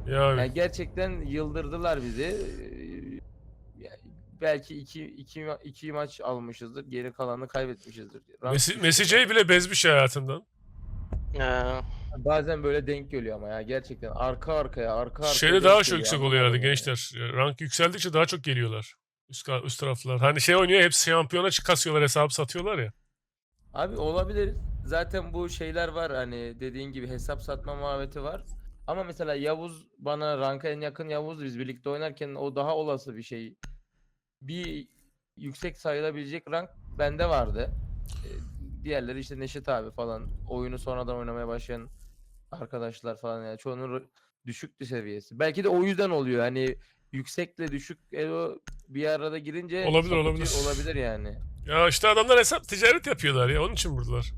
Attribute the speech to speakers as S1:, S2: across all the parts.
S1: Yani
S2: Yani gerçekten yıldırdılar bizi. Yani belki iki maç almışızdır. Geri kalanını kaybetmişizdir. Rank
S1: Messi,
S2: düştü
S1: Messi J
S2: zaten.
S1: bile bezmiş hayatından.
S3: Ee,
S2: Bazen böyle denk geliyor ama ya gerçekten arka arkaya
S1: Şeyde daha
S2: denk
S1: çok
S2: geliyor,
S1: yüksek oluyor herhalde
S2: anlamadım yani.
S1: gençler. Rank yükseldikçe daha çok geliyorlar. Üst taraflar. Hani şey oynuyor, hepsi şampiyona kasıyorlar, hesabı satıyorlar ya.
S2: Abi olabilir. Zaten bu şeyler var, hani dediğin gibi hesap satma muhabbeti var. Ama mesela Yavuz, bana ranka en yakın Yavuz, biz birlikte oynarken o daha olası bir şey. Bir yüksek sayılabilecek rank bende vardı. E, Diğerleri işte Neşet abi falan, oyunu sonradan oynamaya başlayan arkadaşlar falan, yani çoğunun düşüktü seviyesi. Belki de o yüzden oluyor. Hani yüksekle düşük elo bir arada girince
S1: Olabilir, olabilir.
S2: sapıtıyor olabilir yani.
S1: Ya işte adamlar hesap ticaret yapıyorlar ya, onun için buradalar.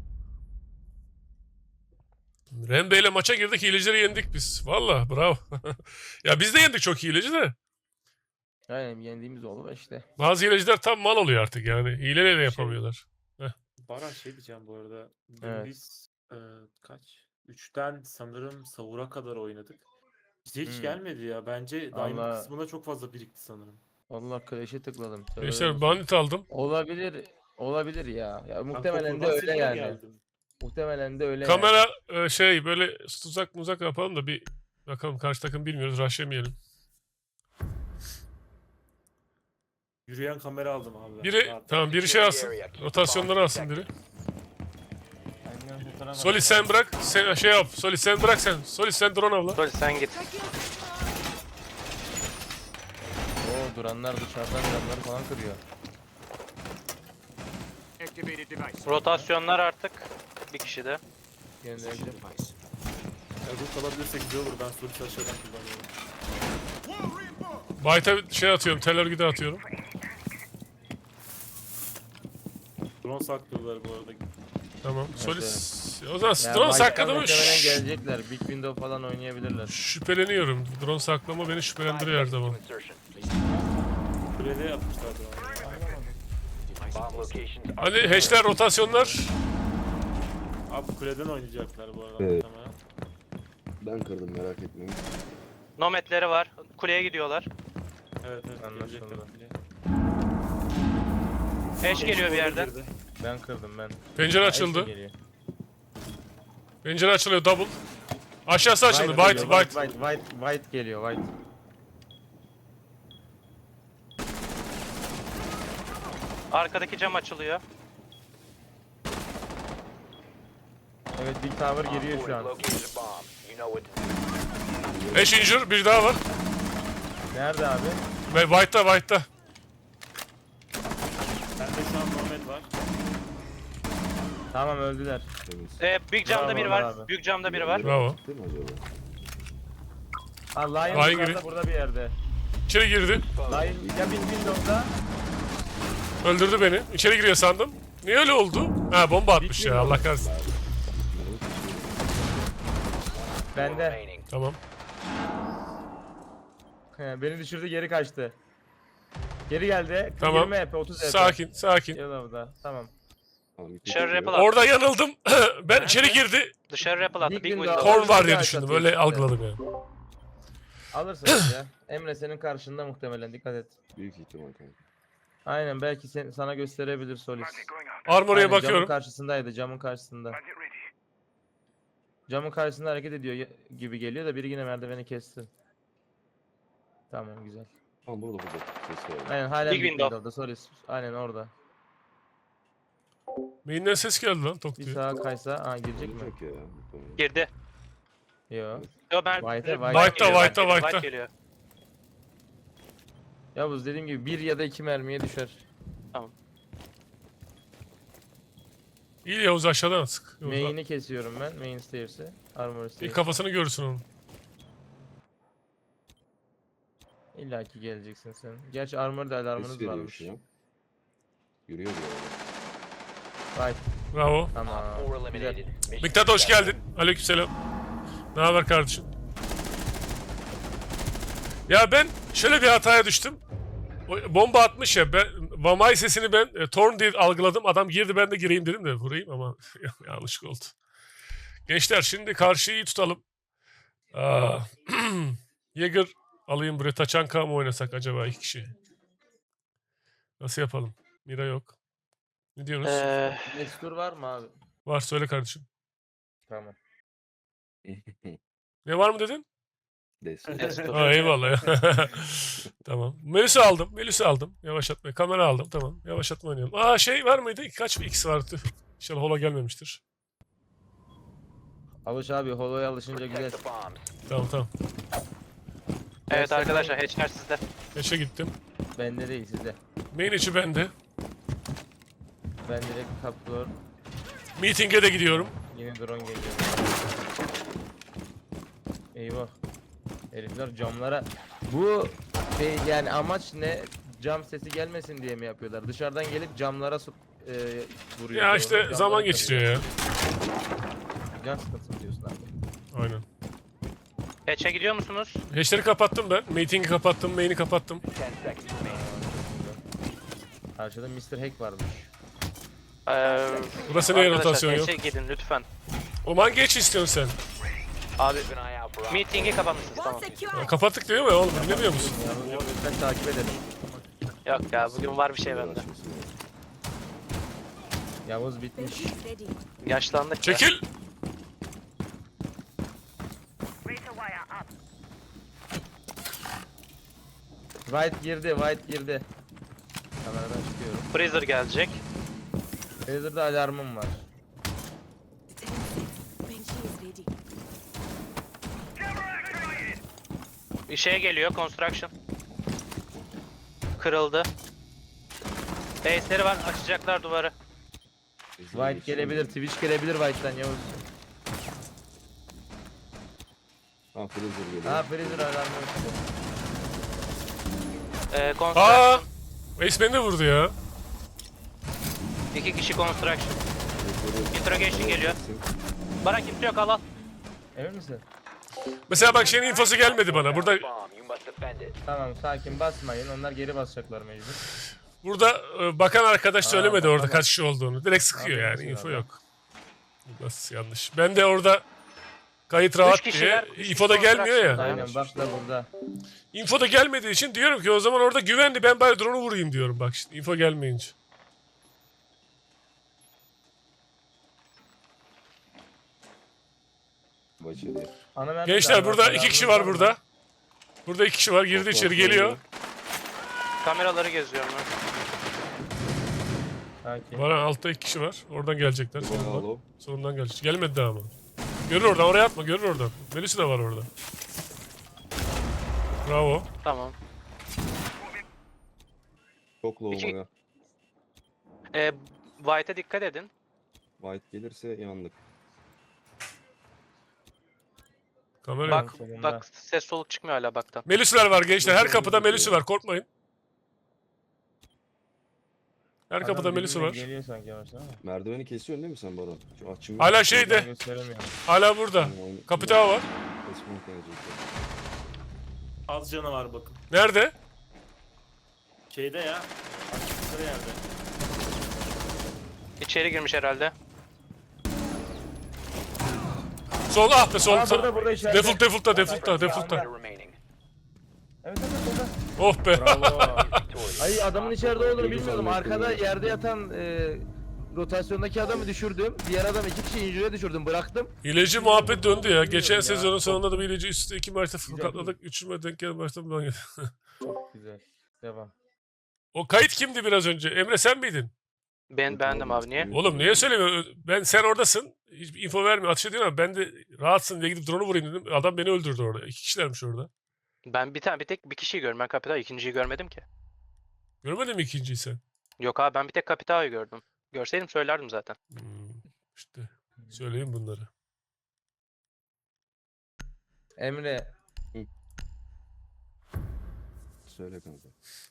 S1: Rembe ile maça girdik, hilecileri yendik biz. Valla bravo. Ya biz de yendik çok hileci de.
S2: Aynen, yendiğimiz oldu işte.
S1: Bazı hileciler tam mal oluyor artık yani. Hileyle de yapamıyorlar.
S4: Baran şey diyeceğim bu arada. Dün
S2: Evet.
S4: biz kaç? 3'ten sanırım sahura kadar oynadık. Bize hiç
S2: Hmm.
S4: gelmedi ya. Bence Diamond
S2: Allah
S4: kısmında çok fazla birikti sanırım.
S2: Allah, Clash'e tıkladım. Tövbe
S1: Gençler
S2: olsun.
S1: bandit aldım.
S2: Olabilir. Olabilir ya. Ya
S4: Ben
S2: muhtemelen de
S4: Kokur'dan
S2: öyle
S4: Silver
S2: yani.
S4: geldim.
S2: Muhtemelen de öyle yani.
S1: Kamera şey böyle tuzak yapalım da bir bakalım, karşı takım bilmiyoruz, rush'lamayalım.
S4: Yürüyen kamera aldım abi.
S1: Biri
S4: Rahat.
S1: tamam, biri şey alsın. Rotasyonları alsın biri. Solid sen bırak. Sen şey yap. Solid sen bırak sen. Solid sen drone avla.
S3: Sol sen git.
S2: Oo, duranlar dışarıdan camları falan kırıyor.
S3: Rotasyonlar artık bir kişi de.
S2: Göndereceğim.
S4: Ya, root alabilirsek güzel olur. Ben Solis aşağıdan kullanıyorum.
S1: Byte'a şey atıyorum. Tel örgüde atıyorum.
S4: Drone saklıyorlar bu arada.
S1: Tamam. Solid.
S2: Evet.
S1: O zaman
S2: Ya
S1: drone
S2: White'tan
S1: sakladı mı?
S2: muhtemelen gelecekler. Big Window falan oynayabilirler.
S1: Şüpheleniyorum. Drone saklama beni şüphelendiriyor her zaman.
S4: Kulede yapmışlardı onu.
S1: Hani hatchler, rotasyonlar.
S4: Abi kuleden oynayacaklar bu arada.
S5: Evet.
S4: Muhtemelen.
S5: Ben kırdım, merak etmeyin.
S3: Nomadleri var. Kuleye gidiyorlar.
S4: Evet
S2: Anlaşıldı.
S4: gelecekler kuleye.
S3: Eş geliyor bir yerden.
S4: Girdi.
S2: Ben kırdım ben.
S1: Pencere
S2: Ha,
S1: açıldı.
S2: Eşe geliyor.
S1: Pencere açılıyor double. Aşağısı açıldı.
S2: White
S1: White,
S2: geliyor,
S1: white.
S2: White geliyor, White.
S3: Arkadaki cam açılıyor.
S2: Evet, Big Tower giriyor şu an.
S1: Ash injure. Bir daha var.
S2: Nerede abi?
S1: Ve White'da.
S4: Bende şu an Nomad var.
S2: Tamam, öldüler.
S5: Temiz.
S3: Büyük camda
S2: Bravo
S3: biri var.
S2: abi.
S3: Büyük camda biri var.
S1: Bravo.
S5: Değil mi acaba?
S2: Ha,
S1: Lion
S2: Lion
S1: giriyor.
S2: yukarıda, burada bir yerde.
S1: İçeri girdi.
S2: Lion ya Big Window'da.
S1: Öldürdü beni. İçeri giriyor sandım. Niye öyle oldu? Ha, bomba atmış ya. Allah kahretsin.
S2: Bende.
S1: Tamam.
S2: Beni düşürdü, geri kaçtı. Geri geldi.
S1: Tamam.
S2: 20 HP, 30 HP.
S1: Sakin.
S2: Yellow'da. Tamam.
S5: Tamam, bir
S3: Dışarı
S5: tek
S3: rappel
S5: yok.
S3: at.
S1: Orada yanıldım. Ben içeri girdi.
S3: Dışarı rappel attı.
S2: Big
S3: Big
S2: window.
S3: window.
S1: Korn var diye
S2: Orada
S1: düşündüm.
S2: atıyor
S1: Öyle
S2: şimdi.
S1: algıladım yani.
S2: Alırsınız ya. Emre senin karşında muhtemelen, dikkat et.
S5: Büyük ihtimal kanka.
S2: Aynen, belki sana gösterebilir Solis.
S1: Armory'e
S2: Aynen,
S1: bakıyorum.
S2: Camın karşısındaydı, camın karşısında. Camın karşısında hareket ediyor gibi geliyor da biri yine merdiveni kesti. Tamam, güzel.
S5: Tamam, burada. Ses geldi.
S2: Aynen, hala
S3: Big
S2: Big
S3: window.
S2: Window'da Solis. Aynen orada.
S1: Main'den ses geldi lan, tok
S2: Bir
S1: diye.
S2: sağa kaysa, girecek mi?
S5: Olacak ya. muhtemelen.
S3: Girdi.
S2: Yo.
S3: Yo ben
S1: White'ta.
S3: geliyor.
S2: Yavuz, dediğim gibi 1 ya da 2 mermiye düşer.
S1: İyi Yavuz, aşağıdan sık. Yavuz,
S2: Main'i kesiyorum ben. Main stairs'i. Armor
S1: bir
S2: stairs.
S1: kafasını görürsün onun.
S2: İlla ki geleceksin sen. Gerçi armor'da alarmınız
S5: Ses geliyor
S2: varmış.
S5: şu an. Yürüyor bir arada.
S2: Right.
S1: Bravo.
S2: Tamam. Güzel.
S1: Miktat hoş geldin. Aleykümselam. Ne haber kardeşim? Ya ben şöyle bir hataya düştüm. O bomba atmış ya, ben Vamay sesini ben Torn diye algıladım. Adam girdi, ben de gireyim dedim de vurayım ama yanlış oldu. Gençler şimdi karşıyı iyi tutalım. Aa, Jäger alayım buraya. Taçanka mı oynasak acaba 2 kişi? Nasıl yapalım? Mira yok. Ne diyorsunuz?
S2: Destur var mı abi?
S1: Var söyle kardeşim.
S2: Tamam.
S1: Ne var mı dedin?
S5: Destur.
S3: Destur.
S1: Ha, eyvallah ya. Tamam. Melis'i aldım. Yavaşlatma. Kamera aldım. Tamam. Yavaşlatma oynayalım. Aa şey var mıydı? Kaç bir X vardı? İnşallah hola gelmemiştir.
S2: Alış abi, holoya alışınca güzel.
S1: Tamam.
S3: Evet arkadaşlar hatchler sizde.
S1: Eşe gittim.
S2: Bende değil, sizde.
S1: Main içi bende.
S2: Ben direkt kaplıyorum.
S1: Meeting'e de gidiyorum.
S2: Yine drone geliyor. Eyvah. Herifler camlara... Bu şey yani amaç ne? Cam sesi gelmesin diye mi yapıyorlar? Dışarıdan gelip camlara vuruyor.
S1: Ya
S2: Sonra
S1: işte
S2: camları
S1: zaman
S2: kırıyor.
S1: geçiriyor ya.
S2: Can sıkıntısı diyorsun abi.
S1: Aynen.
S3: Hatch'e gidiyor musunuz?
S1: Hash'leri kapattım ben. Meeting'i kapattım. Main'i kapattım.
S2: Karşıda Mr. Hack varmış.
S1: Burası neye
S3: Arkadaşlar
S1: rotasyon yok?
S3: hatch'e gidin lütfen.
S1: O hangi hatch istiyorsun sen?
S3: Abi meeting'i kapatmışsınız tamam.
S1: Ya, kapattık diyor mu ya oğlum? Dinlemiyor musun?
S2: Ya lütfen takip edelim.
S3: Yok ya bugün var bir şey bende.
S2: Yavuz bitmiş.
S3: Yaşlandık ya.
S1: Çekil!
S2: White girdi. Kameradan çıkıyorum.
S3: Freezer gelecek.
S2: Razer'da alarmım var.
S3: Bir şey geliyor construction. Kırıldı. Base'leri var açacaklar duvarı.
S2: White gelebilir, Twitch gelebilir White'dan Yavuz.
S5: Ha Freezer geliyor.
S2: Ha Freezer alarmı yok.
S3: Construction.
S1: Aa! Ace beni de vurdu ya.
S3: 2 kişi construction. Interrogation geliyor. Bana kimse yok al.
S2: Emin misin?
S1: Mesela bak şeyin infosu gelmedi bana.
S2: Tamam sakin basmayın, onlar geri basacaklar mecbur.
S1: Burada bakan arkadaş söylemedi orada
S2: tamam.
S1: kaç kişi olduğunu. Direkt sıkıyor
S2: Aferin
S1: yani.
S2: sana
S1: Info
S2: abi.
S1: yok. Nasıl yanlış. Ben de orada kayıt rahat diye.
S3: kişiler, üç
S1: Info da
S3: kişi
S1: gelmiyor ya.
S3: construction.
S2: Aynen bak da burada.
S1: Info da gelmediği için diyorum ki o zaman orada güvenli, ben bari drone'u vurayım diyorum bak işte. Info gelmeyince.
S5: Başarı.
S2: Ana mermi
S1: Gençler
S2: galiba,
S1: burada
S2: alarmı
S1: 2 kişi var burada. Burada 2 kişi var. Girdi içeri geliyor.
S3: Kameraları geziyorum ben.
S2: Sakin.
S1: Var altta 2 kişi var. Oradan gelecekler. Solundan.
S5: Bravo.
S1: Solundan gelecek. Gelmedi daha ama. Görür oradan. Oraya atma. Görür oradan. Melis'i de var orada. Bravo.
S3: Tamam.
S5: Çok low
S3: İki-
S5: Maya.
S3: White'e dikkat edin.
S5: White gelirse yandık.
S1: Kamera
S3: Bak
S1: yok.
S2: Solunda.
S3: bak ses soluk çıkmıyor hala baktan.
S1: Melis'ler var gençler. Her
S5: Yok,
S1: kapıda
S5: yok,
S1: Melis'i
S5: yok.
S1: var. Korkmayın. Her
S2: Adam
S1: kapıda Melis'i
S2: birbirine
S1: var.
S2: Geliyor sanki yavaştan ama.
S5: Merdiveni kesiyorsun değil mi sen Baran? Şu açım
S1: Hala
S5: yok.
S1: şeyde.
S2: Gösteremiyorum.
S1: Hala burada. Kapital var.
S5: Kesmem gelecek.
S4: Az canı var bakın.
S1: Nerede?
S4: Şeyde ya. Açıkları yerde.
S3: İçeri girmiş herhalde.
S1: Sol ah be sol.
S2: Aa, burada içeride.
S1: Default'ta.
S2: Evet burada.
S1: Oh be.
S2: Bravo. Ay adamın içeride olduğunu bilmiyordum. Arkada yerde yatan rotasyondaki adamı düşürdüm. Diğer adam 2 kişi injüre düşürdüm. Bıraktım.
S1: Hileci muhabbet döndü ya. Geçen
S2: Ya,
S1: sezonun
S2: çok-
S1: sonunda da bir hileci üstte 2 maçta
S2: Güzel.
S1: katladık. 3'üme denk gelen maçta ben
S2: Çok güzel. Devam.
S1: O kayıt kimdi biraz önce? Emre sen miydin?
S3: Ben beğendim abi niye?
S1: Oğlum niye söylemiyorsun? Sen oradasın. Hiçbir info vermiyor. Atış ediyorsun ama ben de rahatsın diye gidip drone'u vurayım dedim. Adam beni öldürdü orada. 2 kişilermiş orada.
S3: Ben bir tek bir kişiyi gördüm. Ben Kapital ikinciyi görmedim ki.
S1: Görmedin mi ikinciyi sen?
S3: Yok abi ben bir tek Kapital'ı gördüm. Görseydim söylerdim zaten.
S1: İşte söyleyeyim bunları.
S2: Emre.
S5: Söyle kanka.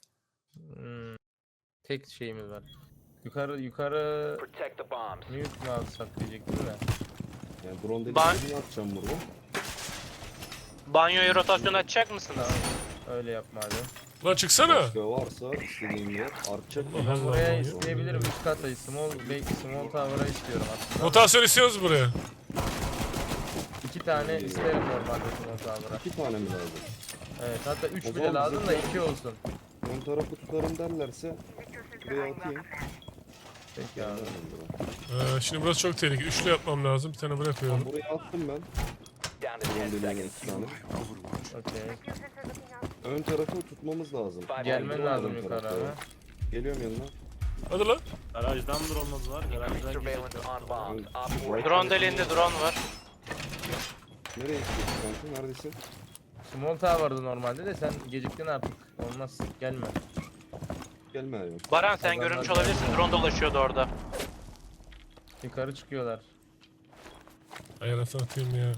S2: Tek şeyimiz var. Yukarı mute mu alsak diyecektim de.
S5: Yani drone dediğin
S3: Ben-
S5: gibi atacağım burada.
S3: Banyoyu rotasyon açacak mısınız?
S2: Tamam. Öyle yapma hadi.
S1: Lan çıksana.
S5: Başka varsa istediğin yer artacak.
S1: Allah
S2: Ben
S1: Allah.
S2: buraya isteyebilirim. Üst katta small tower'a istiyorum aslında.
S1: Rotasyon istiyoruz buraya.
S2: 2 tane isterim normalde small tower'a.
S5: 2 tane mi lazım?
S2: Evet hatta 3
S5: O
S2: bile
S5: zaman
S2: lazım da
S5: bizim-
S2: 2 olsun.
S5: Ön tarafı tutarım derlerse buraya atayım.
S2: Peki abi.
S1: Şimdi burası çok tehlikeli. Üçlü yapmam lazım. Bir tane buraya koyalım.
S5: Buraya attım ben.
S6: Down to 10
S5: Drone deliğine
S6: seconds.
S5: 2 tane.
S2: Okey.
S5: Ön tarafı tutmamız lazım.
S2: Gelmen
S5: Drone
S2: lazım
S5: ön
S2: yukarı
S5: tarafta.
S2: abi.
S5: Geliyorum yanına.
S1: Hadi lan.
S4: Garajdan dronladılar. Garajdan
S6: Surveillance
S4: girecekler.
S6: on bombs. Op
S5: Right
S6: 4
S3: Drone deliğinde drone var.
S5: Nereye gidiyorsun kanka? Neredesin?
S2: Small tower vardı normalde de sen geciktin artık. Olmaz gelme.
S5: Gelme abi.
S3: Baran sen
S2: Adamlar
S3: görünmüş olabilirsin. Drone dolaşıyordu orada.
S2: Yukarı çıkıyorlar.
S1: Ayağına satayım ya.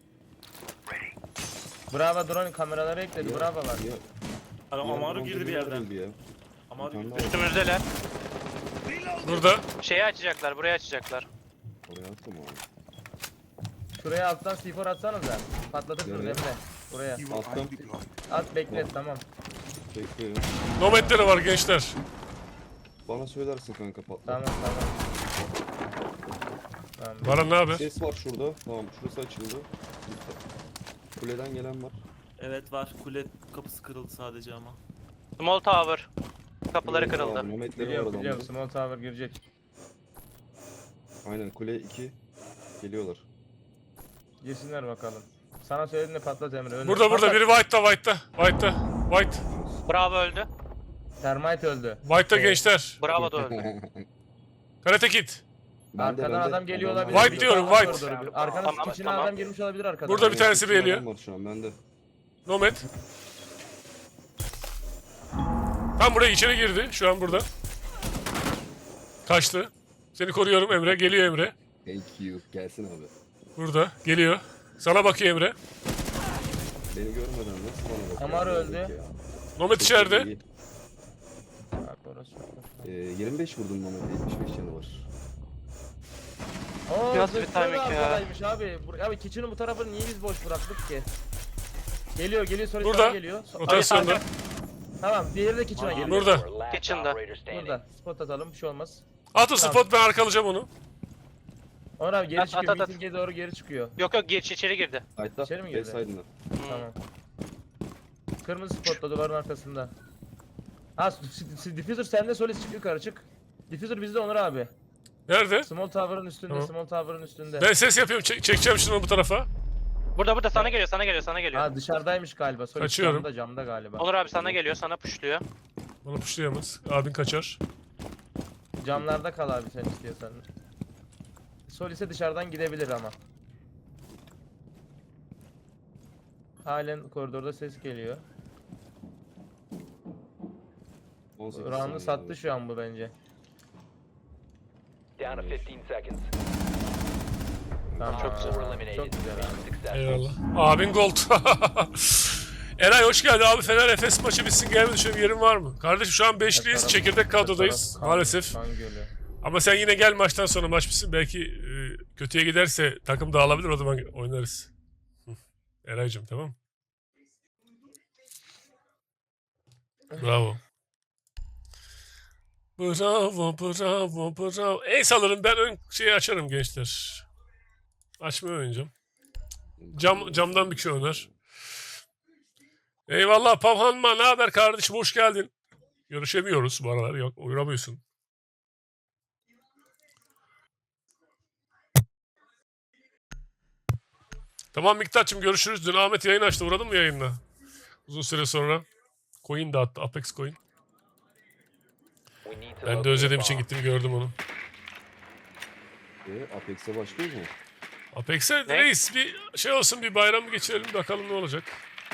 S2: Bravo drone kameraları ekledi.
S5: Ya,
S2: Bravo var.
S5: Ya,
S4: Amaru
S5: drone
S4: girdi bir
S5: deliği
S4: yerden.
S5: verildi ya.
S4: Amaru
S5: Bir tane
S4: girdi.
S5: daha
S3: Üstümüzdeler.
S1: Burada.
S3: Şeyi açacaklar. Burayı açacaklar.
S5: oraya attım abi.
S2: Şuraya alttan C4 atsanıza. Patlatırsınız
S5: Nereye?
S2: Emre. Buraya.
S5: Attım.
S2: At beklet tamam.
S5: Bekliyorum.
S1: Nomadleri var gençler.
S5: Bana söylersin kanka patla.
S2: Tamam tamam. Tamam.
S1: Baran ne haber?
S5: Ses var şurada. Tamam şurası açıldı. Kuleden gelen var.
S4: Evet var. Kule kapısı kırıldı sadece ama.
S3: Small tower. Kapıları
S5: Biliyorum
S3: kırıldı.
S5: abi, Nomadleri var
S2: Biliyorum
S5: adamda.
S2: biliyorum. Small tower girecek.
S5: Aynen kule 2. Geliyorlar.
S2: Girsinler bakalım. Sana söyledim de patlat Emre. Önüne.
S1: Burada
S2: Patlat.
S1: biri White'ta. White.
S3: Bravo öldü.
S2: Termite öldü.
S1: White'ta
S2: Evet.
S1: gençler.
S3: Bravo da öldü.
S1: Karate Kid.
S2: Arkadan adam geliyor olabilir.
S1: White
S2: Bir
S1: diyorum,
S2: yukarı
S1: White.
S2: doğru bir. Arkanın
S3: Tamam,
S2: içine
S3: tamam.
S2: adam girmiş olabilir arkadan.
S1: Burada bir tanesi geliyor.
S5: Var şu an bende.
S1: Nomad. Tam buraya içeri girdi. Şu an burada. Kaçtı. Seni koruyorum Emre. Geliyor Emre.
S5: Thank you. Gelsin abi.
S1: Burada. Geliyor. Sana bakıyor Emre.
S5: Beni görmeden nasıl bana bakıyor?
S2: Amaru öldü.
S5: Ya.
S1: Nomad içeride.
S5: İyi.
S2: Bak orası çok-
S5: 25 vurdum Nomad'e. 75 canı var.
S2: Oo,
S3: Biraz bir
S2: zırhlı
S3: timing
S2: da
S3: ya.
S2: arkadaymış abi. Abi kitchen'ın bu tarafını niye biz boş bıraktık ki? Geliyor sonra
S1: Burada.
S2: sana geliyor.
S1: Rotasyonda.
S2: Tamam diğeri de kitchen'a geliyor.
S1: Burada.
S6: last
S3: Kitchen'da.
S6: operator standing.
S2: Burada. Spot atalım bir şey olmaz.
S1: At o spot, ben arkalayacağım onu.
S2: Onur abi geri
S3: At,
S2: çıkıyor.
S3: at, at.
S2: Meeting'e doğru geri çıkıyor.
S3: Yok yok içeri girdi.
S5: Kayıtta.
S2: İçeri mi girdi?
S5: Backside'ına.
S2: Tamam. Kırmızı spotla duvarın arkasında. Ha diffuser sende Solis çık yukarı çık. Diffuser bizde Onur abi.
S1: Nerede?
S2: Small tower'ın üstünde,
S1: Tamam.
S2: small tower'ın üstünde.
S1: Ben ses yapıyorum. Çekeceğim şunu bu tarafa.
S3: Burada sana geliyor sana geliyor sana geliyor.
S2: Ha dışarıdaymış galiba. Solis
S1: Kaçıyorum.
S2: camda galiba.
S3: Onur abi sana geliyor sana puşluyor.
S1: Bana puşlayamaz. Abin kaçar.
S2: Camlarda kal abi sen istiyorsan. Solis'e dışarıdan gidebilir ama. Halen koridorda ses geliyor.
S5: 18
S2: Round'u
S5: saniye
S2: sattı
S5: abi.
S2: şu an bu bence.
S6: Down to 15 seconds.
S2: Tamam.
S6: Op 4 eliminated.
S2: Çok güzel abi.
S6: Successful.
S1: Eyvallah. Abin gold. Eray hoş geldin abi. Fener Efes maçı bitsin gelmedi. Şöyle bir yerin var mı? Kardeşim şu an 5'liyiz. Çekirdek kadrodayız maalesef.
S2: Kan gölü.
S1: Ama sen yine gel, maçtan sonra maç bitsin. Belki kötüye giderse takım dağılabilir, o zaman oynarız. Eray'cım tamam. Bravo. Bravo, bravo, bravo. Ace alırım, ben ön şeyi açarım gençler. Açmayı oynayacağım. Camdan bir şey oynar. Eyvallah Pavhanma, ne haber kardeşim, hoş geldin. Görüşemiyoruz bu aralar, yok uğramıyorsun. Tamam Miktat'cığım, görüşürüz. Dün Ahmet yayın açtı, uğradın mı yayınla? Uzun süre sonra. Coin dağıttı, Apex Coin.
S6: We need to
S1: Ben de
S6: locate
S1: özlediğim
S6: a
S1: için
S6: bomb.
S1: gittim, gördüm onu.
S5: Apex'e başlıyoruz mu?
S1: Apex'e
S3: Ne?
S1: reis bir şey olsun, bir bayram geçirelim, bakalım ne olacak.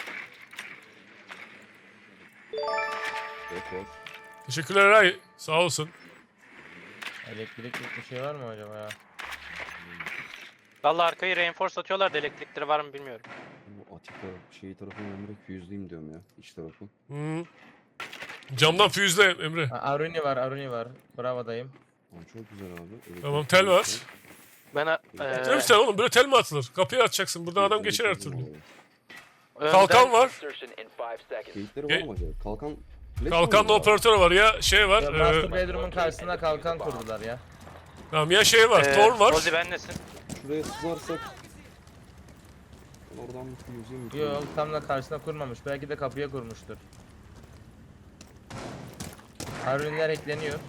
S5: Evet var.
S1: Teşekkürler Eray, sağ olsun.
S2: Elektriklik bir şey var mı acaba ya?
S3: Vallahi arkayı reinforce atıyorlar da elektrikleri var mı bilmiyorum.
S5: Bu atik taraf, tarafını Emre füzleyeyim diyorum ya. İç tarafı.
S1: Hmm. Camdan füzle Emre.
S2: Ha, Aruni var. Bravo dayım.
S5: Tamam, çok güzel abi. Elektrik
S1: Tamam, tel var.
S5: füzesi.
S3: Ben
S1: Tel mi tel oğlum, böyle tel mi atılır? Kapıyı atacaksın, buradan adam geçer her türlü.
S3: önden-
S1: Kalkan var.
S6: Insertion in 5 seconds.
S5: Keyifleri var mı acaba? Kalkan... flash
S1: Kalkanlı
S5: mı var?
S1: operatör var ya, şey var.
S2: Ya, Master Bedroom'un karşısına kalkan kurdular ya.
S1: Tamam ya, şey var, Thor var.
S3: Rozi benlesin.
S5: Şuraya sızarsak... Oradan bir yüzeyim.
S2: Yok tam da karşısına kurmamış. Belki de kapıya kurmuştur. Harunler ekleniyor.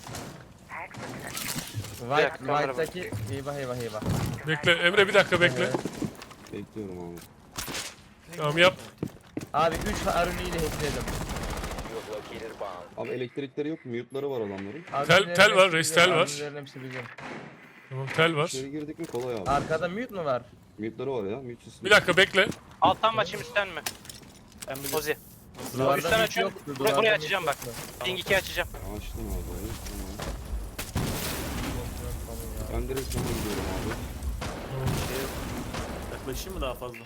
S3: dakika,
S2: White'daki eyvah eyvah eyvah.
S1: Bekle Emre bir dakika bekle.
S5: Bekliyorum abi.
S1: Tamam yap.
S2: Abi 3 Harun'i ile hackledim.
S6: You have located a bomb.
S5: Abi elektrikleri yok, mute'ları var adamların.
S1: Tel var, reis, tel var.
S2: Harunlerin hepsi bizim.
S1: Tamam tel var.
S5: İçeri girdik mi kolay abi.
S2: Arkada mute mu var?
S5: Mute'ları var ya, mute sistemi.
S1: Bir dakika bekle.
S3: Alttan mı açayım üstten mi?
S4: Ben bir
S3: Ozi.
S2: Duvarda
S3: Üstten
S2: mute
S3: açıyorum.
S2: yoktu,
S3: Burayı
S2: duvarda
S3: açacağım
S2: mute
S3: bak.
S2: yoktu.
S3: Ping 2 açacağım.
S5: Açtım abi orayı. Tamam.
S2: Tamam ya.
S5: Ben direkt sana gidiyorum abi.
S4: yaklaşayım mı daha fazla?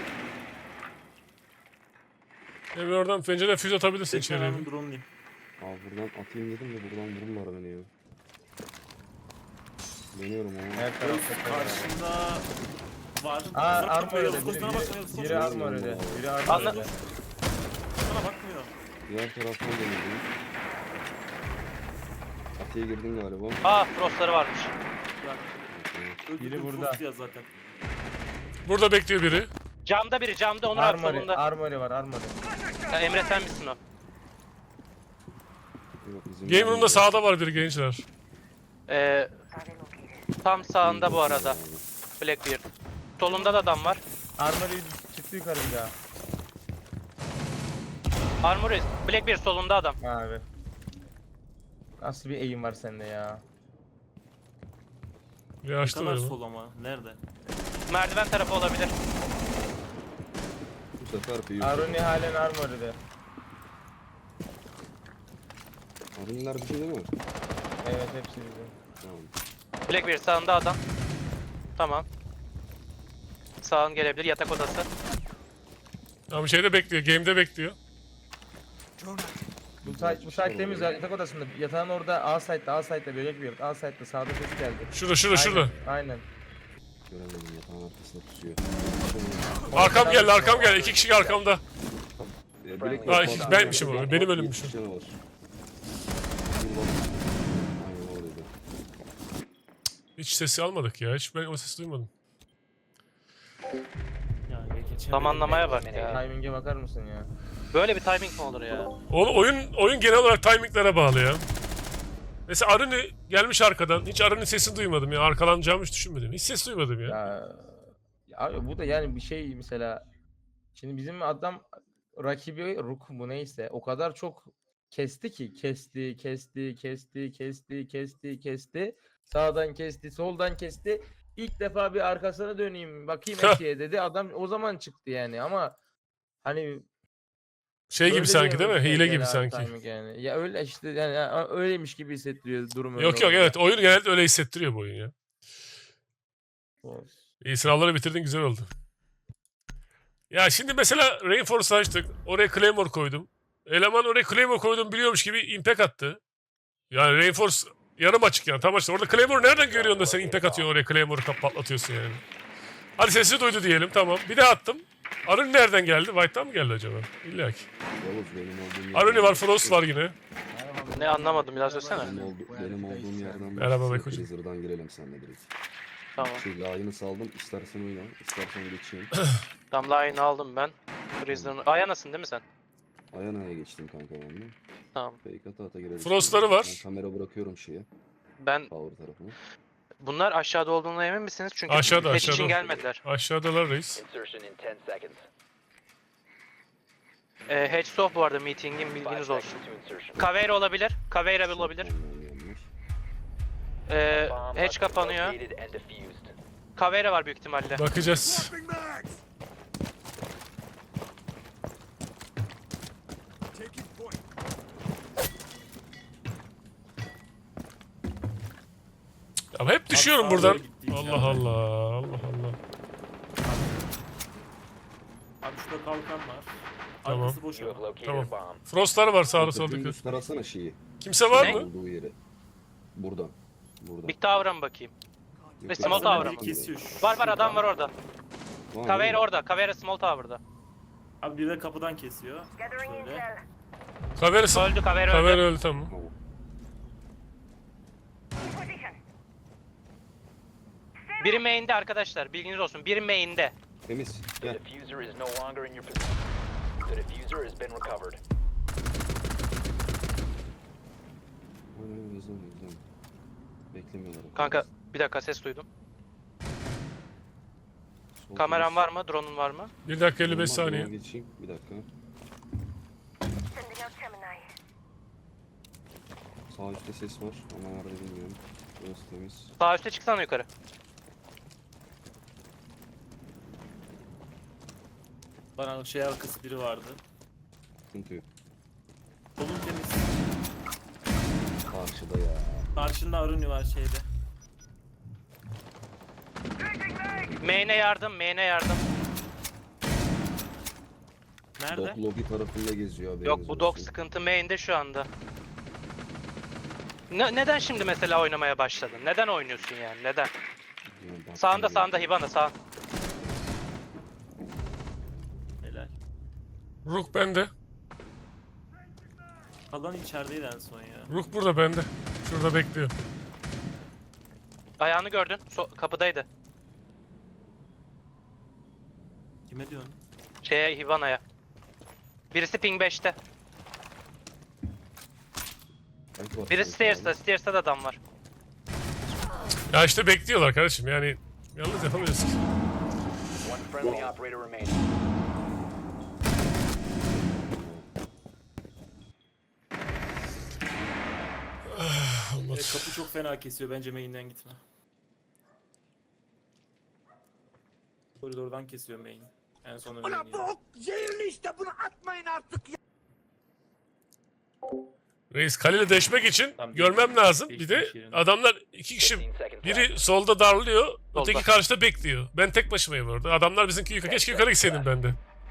S1: Emre oradan pencereden füze atabilirsin
S4: Bekle
S1: içeriye.
S4: ben drone'layım.
S5: Abi buradan atayım dedim de buradan vururlar beni ya. Dönüyorum ama.
S2: Her tarafta tel var.
S4: Karşında var.
S2: Aa armor öyle.
S4: Sana bakmıyor.
S2: Biri armor öyle. Biri armor
S3: Anladım.
S2: öyle.
S4: Sana bakmıyor.
S5: Diğer taraftan dönüyorum. Atiye girdin galiba.
S3: Aa frostları varmış.
S2: Biri burada.
S4: Ya zaten.
S1: Burada bekliyor biri.
S3: Camda biri camda Onur abi
S2: Armory,
S3: solunda.
S2: armory var armory.
S3: Ya Emre sen misin o?
S5: Yok, bizim
S1: Game room'da sağda var biri gençler.
S3: Tam sağında bu arada. Blackbeard. Solunda da adam var.
S2: Armory çıktı yukarı bir daha.
S3: Armory. Blackbeard solunda adam.
S2: Abi. Nasıl bir eğim var sende ya?
S1: Bir
S4: Ne
S1: açtı
S4: kadar
S1: galiba.
S4: sol ama. Nerede?
S3: Merdiven tarafı olabilir.
S5: Bu sefer büyük.
S2: Aruni halen armory'de.
S5: Arunlar bir şey değil mi?
S2: Evet hepsi bizim.
S5: Tamam.
S3: Blackbeard sağında adam. Tamam. Sağın gelebilir yatak odası.
S1: Tamam şeyde bekliyor. Game'de bekliyor.
S2: Bu site temiz ya, yatak odasında. Yatağın orada A site'de börek bir A site'de sağda ses geldi.
S1: Şurada.
S2: Aynen.
S5: Göremedim yatağın arkasında pusuyor.
S1: Arkam geldi. 2 kişi arkamda.
S5: Bilek
S1: Aa,
S5: yok,
S1: benmişim o,
S5: bak,
S1: benim
S5: bak,
S1: ölümmüşüm.
S5: 70 canı var. Aynen öyleydi.
S1: Hiç sesi almadık ya. Hiç ben o sesi duymadım.
S4: Ya geçemedim.
S3: Zamanlamaya bak ya.
S2: Timing'e bakar mısın ya?
S3: Böyle bir timing mi olur ya?
S1: Oyun genel olarak timinglere bağlı ya. Mesela Aruni gelmiş arkadan. Hiç Aruni sesini duymadım ya. Arkalanacağımı hiç düşünmedim. Hiç ses duymadım ya.
S2: Ya abi bu da yani bir şey mesela. Şimdi bizim adam rakibi Rook bu neyse o kadar çok kesti ki kesti. Sağdan kesti, soldan kesti. İlk defa bir arkasına döneyim bakayım eşeğe dedi. Adam o zaman çıktı yani ama hani
S1: Şey gibi
S2: öyle
S1: sanki değil mi?
S2: diyemeyiz
S1: Hile
S2: yani
S1: gibi
S2: abi
S1: sanki.
S2: timing yani. Ya öyle işte yani öyleymiş gibi hissettiriyor durum öyle
S1: Yok
S2: olunca.
S1: evet. Oyun genelde öyle hissettiriyor bu oyun ya.
S2: Olsun.
S1: İyi sınavları bitirdin güzel oldu. Ya şimdi mesela Rainforce açtık. Oraya Claymore koydum. Eleman oraya Claymore koydum biliyormuş gibi impact attı. Yani Rainforce yarım açık yani tam açık. Orada Claymore nereden görüyorsun da sen impact atıyorsun oraya Claymore'u patlatıyorsun yani. Hadi sesi duydu diyelim tamam. Bir daha attım. Arun nereden geldi? White'tan mı geldi acaba? İlla ki.
S5: Yavuz benim olduğum
S1: Aruni var, Frost var yine.
S3: Ne anlamadım biraz söylesene.
S5: Benim olduğum yerden
S1: Merhaba
S5: başlasın,
S1: Beko.
S5: Freezer'dan girelim seninle direkt.
S3: Tamam.
S5: Şey layını saldım istersen oyna istersen geçeyim.
S3: Tam line'ı aldım ben. Freezer'ın. Ayanasın değil mi sen?
S5: Ayana'ya geçtim kanka ben de.
S3: Tamam.
S5: Fake ata girelim.
S1: Frost'ları var.
S5: Ben kamera bırakıyorum şeye.
S3: Ben
S5: Power tarafına.
S3: bunlar aşağıda olduğuna emin misiniz? Çünkü
S1: Aşağıda,
S3: patch için
S1: aşağıda.
S3: gelmediler.
S1: Aşağıdalar reis.
S6: Insertion in 10 seconds.
S3: Hedge off bu arada meeting'in
S6: 5
S3: bilginiz
S6: seconds
S3: olsun.
S6: to insertion.
S3: Caveira olabilir. Caveira olabilir.
S6: Bomb
S3: Hedge
S6: must be
S3: kapanıyor.
S6: located and defused.
S3: Caveira var büyük ihtimalle.
S1: Bakacağız. Ya hep düşüyorum
S4: sağa
S1: buradan.
S4: doğru gitti
S1: Allah
S4: yani.
S1: Allah. Allah Allah.
S4: Abi şurada kalkan var.
S1: Tamam.
S4: Arkası boş
S6: You
S4: ama.
S6: have located
S1: Tamam.
S6: a bomb.
S1: Frost'lar var sağda solda.
S5: Dümdüz tarasana şeyi.
S1: Kimse var
S3: Ne?
S1: mı?
S5: Olduğu yeri. Buradan. Buradan.
S3: Big Tower'a mı bakayım?
S5: Yok,
S3: Small
S5: yok,
S3: Tower'a
S5: yok,
S3: mı?
S4: Kesiyor.
S3: Var adam var orada.
S5: Var,
S3: Caveira
S5: var.
S3: orada. Caveira small tower'da.
S4: Abi bir de kapıdan kesiyor. Şöyle.
S1: Kaverası.
S3: Öldü Caveira
S1: Kaver
S3: öldü.
S1: öldü tamam.
S5: Tamam.
S3: Biri main'de arkadaşlar. Bilginiz olsun. Biri main'de.
S5: Temiz.
S6: The
S5: Gel.
S6: diffuser is no longer in your possession. The diffuser has been recovered.
S5: Aynen hızlı. Beklemiyorlar.
S3: Kanka bir dakika ses duydum.
S5: Sol
S3: Kameran
S5: temiz.
S3: var mı? Drone'un var mı?
S1: 1 dakika 55
S5: Olmaz,
S1: saniye.
S5: ben geçeyim. Bir dakika. Sağ üstte ses var ama nerede bilmiyorum. Burası temiz.
S3: Sağ üstte çıksana yukarı.
S4: Bana şey arkası biri vardı.
S5: Sıkıntı yok.
S4: Solun temiz.
S5: Karşıda ya.
S4: Karşında Aruni var şeyde.
S3: Main'e yardım, main'e yardım.
S4: Nerede?
S5: Dog lobby tarafında geziyor haberiniz
S3: Yok bu dog
S5: olsun.
S3: sıkıntı main'de şu anda. Neden şimdi mesela oynamaya başladın? Neden oynuyorsun yani? Neden?
S5: Yani bak-
S3: Sağında sağında Hibana sağ.
S4: Helal.
S1: Rook bende.
S4: Kalan içerideydi en son ya.
S1: Rook burada bende. Şurada bekliyor.
S3: Ayağını gördün. Kapıdaydı.
S4: Kime diyorsun?
S3: Şeye Hibana'ya. Birisi ping 5'te.
S5: Belki var
S3: Birisi
S5: sanki
S3: stairs'ta.
S5: abi.
S3: Stairs'ta da adam var.
S1: Ya işte bekliyorlar kardeşim yani. Yalnız yapamıyorsun.
S6: One friendly operator remaining.
S4: Kapı çok fena kesiyor. Bence main'den gitme. Koridordan kesiyor main. En son main.
S1: Reis kaleyle deşmek için
S4: Tamam,
S1: görmem lazım. Bir de
S4: değişmiş yerini.
S1: adamlar 2 kişi
S6: 15 seconds left.
S1: biri solda darlıyor, öteki
S3: Solda.
S1: karşıda bekliyor. Ben tek başımayım orada. Adamlar bizimki yukarı. Keşke yukarı gitseydim ben de.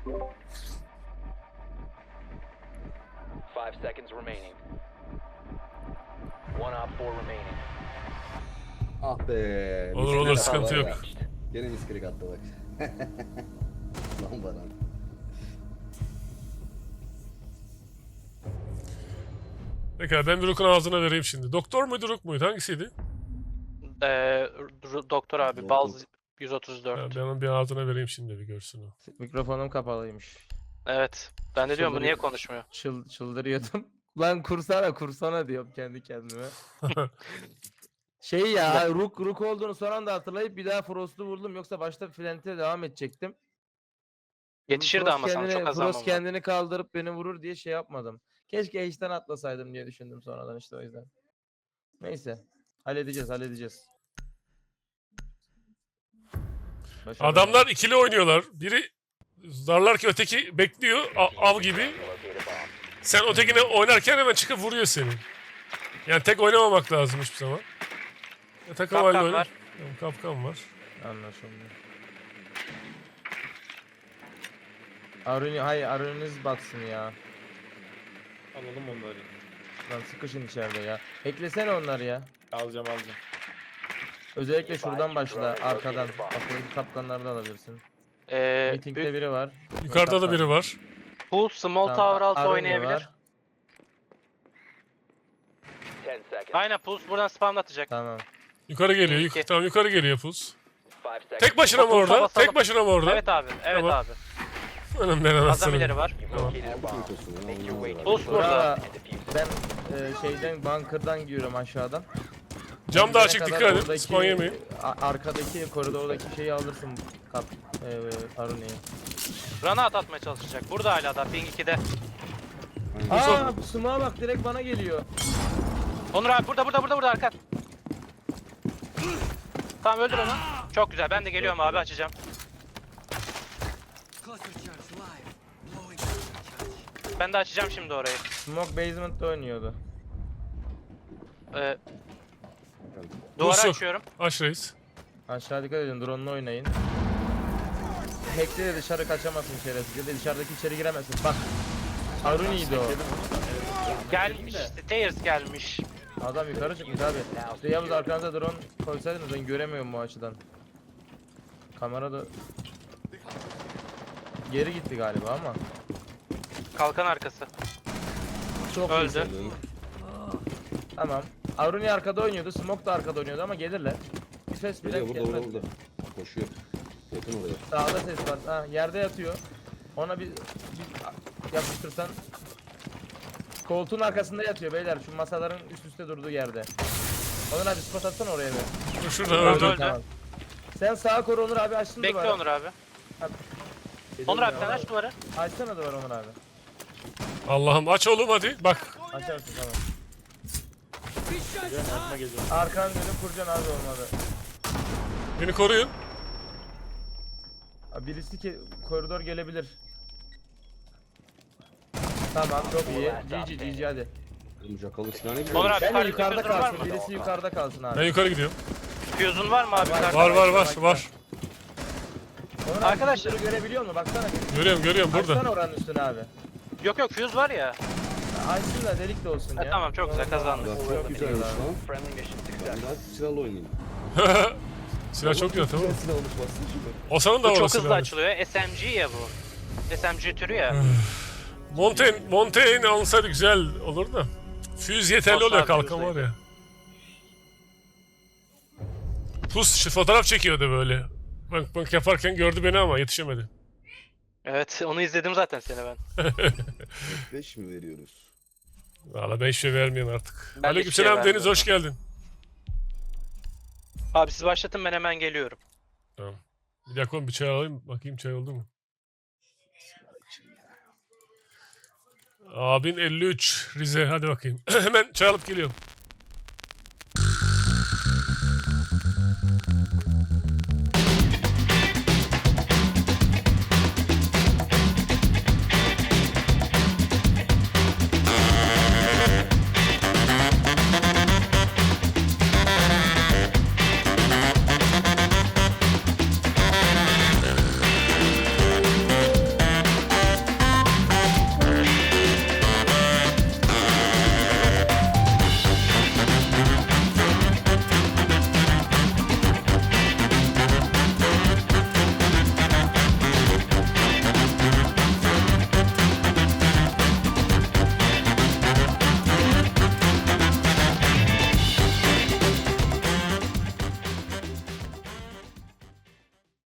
S6: 5 seconds remaining. One op 4 remaining.
S5: Ah be.
S1: Olur,
S5: misklik
S1: olur,
S5: attı
S1: sıkıntı
S5: var
S1: yok.
S5: ya. Gene misklik attı bak. Lan bana.
S1: Pekala ben bir Rook'un ağzına vereyim şimdi. Doktor muydu Rook muydu? Hangisiydi?
S3: Doktor abi.
S5: Doktor.
S3: Balz
S1: Ha,
S3: 134.
S1: ben onun bir ağzına vereyim şimdi bir görsün o.
S2: Mikrofonum kapalıymış.
S3: Evet. Ben de diyorum bu niye
S2: Çıldırıyor.
S3: konuşmuyor?
S2: Çıldırıyordum. Lan kursana diyorum kendi kendime. Şey ya Rook olduğunu son anda hatırlayıp bir daha Frost'u vurdum yoksa başta Flint'e devam edecektim.
S3: Yetişirdi
S2: Frost
S3: ama sana çok az zaman
S2: Frost
S3: var.
S2: kendini kaldırıp beni vurur diye şey yapmadım. Keşke H'den atlasaydım diye düşündüm sonradan işte o yüzden. Neyse. Halledeceğiz. Başarılı.
S1: Adamlar ikili oynuyorlar. Biri darlar ki öteki bekliyor av gibi.
S6: Locate a bomb.
S1: Sen ötekine oynarken hemen çıkıp vuruyor seni. Yani tek oynamamak lazım hiçbir zaman. Ya, takım halinde
S3: Kapkan
S1: oyna.
S3: var.
S1: Tamam, kapkan var.
S2: Anlaşıldı. Aruniniz batsın ya.
S4: Alalım onları.
S2: Lan sıkışın içeride ya. Eklesene onları ya.
S4: Alacağım.
S2: Özellikle şuradan başla arkadan. Aklındaki kapkanları da alabilirsin. Meeting'de biri var.
S1: Yukarıda da
S2: Kapkan.
S1: biri var.
S3: Pool small
S2: Tamam,
S3: tower altı
S2: Aruni
S3: oynayabilir.
S2: var.
S6: 10 seconds.
S3: Aynen Pulse buradan spamlatacak.
S2: Tamam.
S1: Yukarı geliyor.
S3: İki.
S1: Tamam yukarı geliyor Puz.
S6: 5 seconds.
S1: Tek başına mı
S3: Pulse'a
S1: orada?
S3: basalım.
S1: Tek başına mı orada?
S3: Evet abi. Evet
S1: Tamam.
S3: abi.
S1: Önümden
S3: Adam
S1: anasını.
S3: ileri var.
S6: You've located a
S5: Aldık
S6: bomb.
S5: mikrosu ya.
S6: Make your
S5: ondan
S6: way
S5: sonra.
S6: to
S3: Pulse
S6: the
S3: burada.
S2: Bravo.
S6: and defuse it.
S2: Ben şeyden bunker'dan giriyorum aşağıdan.
S1: Cam da
S2: Gidene
S1: açık
S2: kadar
S1: dikkat edin.
S2: oradaki,
S1: Spawn yemeyin.
S2: Arkadaki koridordaki şeyi alırsın. Aruni'yi.
S3: Granat atmaya çalışacak. Burada hala da ping 2'de.
S2: Aa smoke'a bak direkt bana geliyor.
S3: Onur abi burada arkan. Tamam öldür onu. Çok güzel. Ben de geliyorum abi açacağım. Ben de açacağım şimdi orayı.
S2: Smoke basement'ta oynuyordu.
S3: Duvarı
S1: Pulse yok.
S3: açıyorum.
S1: Aç reis.
S2: Aşağı dikkat edin drone'la oynayın. Hack'te de dışarı kaçamazsın şerefsiz ya da dışarıdaki içeri giremezsin. Bak. Aruni'ydi o.
S3: Gelmiş. Stairs gelmiş.
S2: Adam yukarı çıkmış abi. İşte Yavuz arkanıza drone koysaydınız ben göremiyorum bu açıdan. Kamera da geri gitti galiba ama.
S3: Kalkan arkası.
S2: Çok
S3: Öldü.
S2: iyisin. Tamam. Aruni arkada oynuyordu, Smoke da arkada oynuyordu ama gelirler. Bir ses bile
S5: Geliyor burada
S2: gelmez.
S5: burada. Koşuyor. Attın oraya.
S2: Sağda ses var. Ha, yerde yatıyor. Ona bir yapıştırsan. Koltuğun arkasında yatıyor beyler. Şu masaların üst üste durduğu yerde. Onur abi spot atsana oraya bir.
S1: Dur şurada
S3: Tamam,
S1: öldü.
S3: öldü.
S2: Tamam. Sen sağa koru Onur abi, açtın
S3: Bekle
S2: duvarı.
S3: Onur abi.
S2: Geliyorum
S3: Onur abi
S2: ya,
S3: sen aç duvarı.
S2: Açsana duvarı Onur abi.
S1: Allah'ım aç oğlum hadi. Bak.
S2: Açarsın tamam.
S4: Geliyorum, yardıma geliyorum.
S2: Arkanı dönüp kuracaksın abi olmadı.
S1: Beni koruyun.
S2: Abi birisi ki koridor gelebilir. Tamam çok iyi. GG hadi.
S5: Oğlum Jackal'ın silahına gidiyor.
S3: Onur abi
S2: Ben de
S3: yukarıda
S2: yukarıda
S3: füzün var
S2: kalsın.
S3: mı?
S2: Birisi yukarıda kalsın abi.
S1: Ben yukarı gidiyorum.
S3: Füzün var mı abi?
S2: Var.
S3: yukarıda?
S1: Var.
S2: Onur abi
S3: Arkadaşlar-
S2: füzeleri görebiliyor musun? Baksana.
S1: Görüyorum burada.
S2: Açsana oranın üstüne abi.
S3: Yok füz var ya.
S2: Açsın da delik de olsun
S3: Ha,
S2: ya.
S3: tamam, çok güzel, kazandık.
S2: Çok güzelmiş lan.
S6: Friendly mission
S5: Ben
S6: success.
S5: daha silahla oynayayım.
S1: Silah çok güzel tamam mı?
S5: Silah alışmasın şimdi.
S1: Osan'ın da
S3: Bu çok
S1: orası
S3: hızlı
S1: silahı.
S3: açılıyor. SMG ya bu. SMG türü ya.
S1: Montaigne alınsaydı güzel olur da. Füz yeterli
S3: Osman
S1: oluyor
S3: abi
S1: kalkan var
S3: füzdeydi.
S1: ya. Pus şu fotoğraf çekiyordu böyle. Bank yaparken gördü beni ama yetişemedi.
S3: Evet onu izledim zaten seni ben.
S5: 5 mi veriyoruz?
S1: Valla ben hiçbir şey vermiyorum artık.
S3: Ben de
S1: Aleykümselam
S3: hiçbir şey
S1: Deniz hoş geldin.
S3: Abi siz başlatın ben hemen geliyorum.
S1: Tamam. Bir dakika oğlum bir çay alayım. Bakayım çay oldu mu? Abin 53 Rize hadi bakayım. Hemen çay alıp geliyorum.